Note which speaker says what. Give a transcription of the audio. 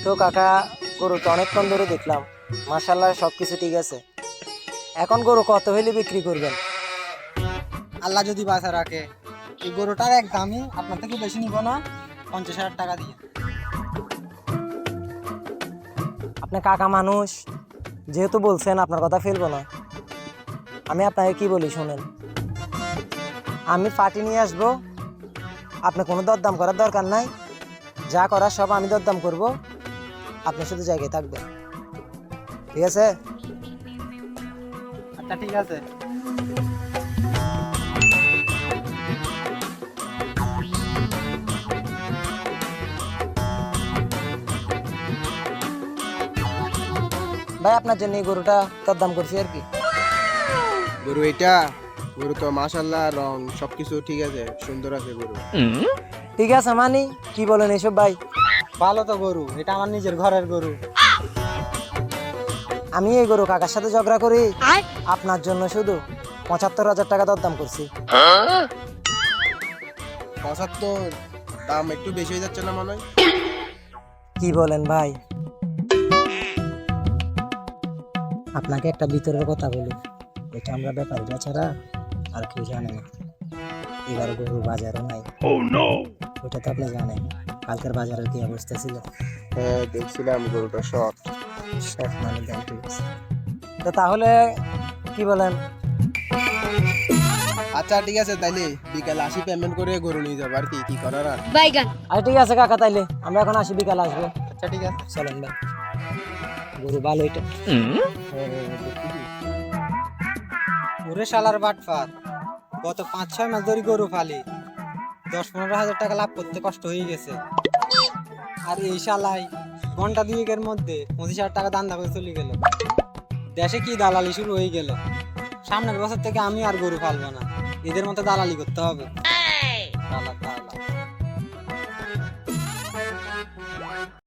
Speaker 1: তো কাকা, গরু তো অনেকক্ষণ ধরে দেখলাম, মাশাআল্লাহ সবকিছু ঠিক আছে। এখন গরু কত হইলে বিক্রি করবেন?
Speaker 2: আল্লাহ যদি বাঁচা রাখে এই গরুটার এক দামই আপনার থেকে বেশি নিব না, 50,000 টাকা দিয়ে।
Speaker 1: আপনি কাকা মানুষ, যেহেতু বলছেন আপনার কথা ফেলবো না। আমি আপনাকে কি বলি শুনেন, আমি পার্টি নিয়ে আসবো, আপনি কোনো দরদাম করার দরকার নাই, যা করার সব আমি দরদাম করব, আপনি শুধু জায়গায় থাকবেন, ঠিক আছে?
Speaker 2: আচ্ছা ঠিক আছে।
Speaker 1: ভাই আপনার জন্য এই গরুটা দরদাম করছি আর কি।
Speaker 3: গরু এটা, গরু তো মাশাআল্লাহ রং সবকিছু ঠিক আছে, সুন্দর আছে গরু।
Speaker 1: ঠিক আছে মানি, কি বলেন এইসব ভাই?
Speaker 2: ভালো তো গরু, এটা আমার নিজের ঘরের গরু।
Speaker 1: আমি এই গরু কাকার সাথে ঝগড়া করি, আপনার জন্য শুধু 75,000 টাকা দরদাম করছি।
Speaker 3: 75 দাম একটু বেশি হয়ে যাচ্ছে না মনে হয়?
Speaker 1: কি বলেন ভাই? আপনাকে একটা ভিতরের কথা বলি, এটা আমরা ব্যাপারীরা ছাড়া আর কেউ জানে না। এবার গরু বাজারও নাই। ওটা তো আপনি জানেন, কালকের বাজারের কি অবস্থা ছিল।
Speaker 3: হ্যাঁ দেখছিলাম গরুটা শর্ট।
Speaker 1: সব মানে দাম ঠিক আছে। তো তাহলে কি বলেন?
Speaker 3: আচ্ছা ঠিক আছে, তাইলে বিকালে আসি পেমেন্ট করে গরু নিয়ে যাবো, আর কি কি করার আর।
Speaker 1: আর ঠিক আছে কাকা, তাইলে আমরা এখন আসি, বিকাল আসবো।
Speaker 2: আচ্ছা ঠিক আছে।
Speaker 1: চলেন ভাই, গরু ভালো এটা।
Speaker 2: ওরে শালার বাটফার, গত 5-6 মাস ধরে গরু ফালি, 10-15 হাজার টাকা লাভ করতে কষ্ট হয়ে গেছে। আর এই শালাই ঘন্টা দুয়েকের মধ্যে 25,000 টাকা দান্দা করে চলে গেল। দেশে কি দালালি শুরু হয়ে গেল। সামনের বছর থেকে আমি আর গরু পালবো না, এদের মতো দালালি করতে হবে। দালাল।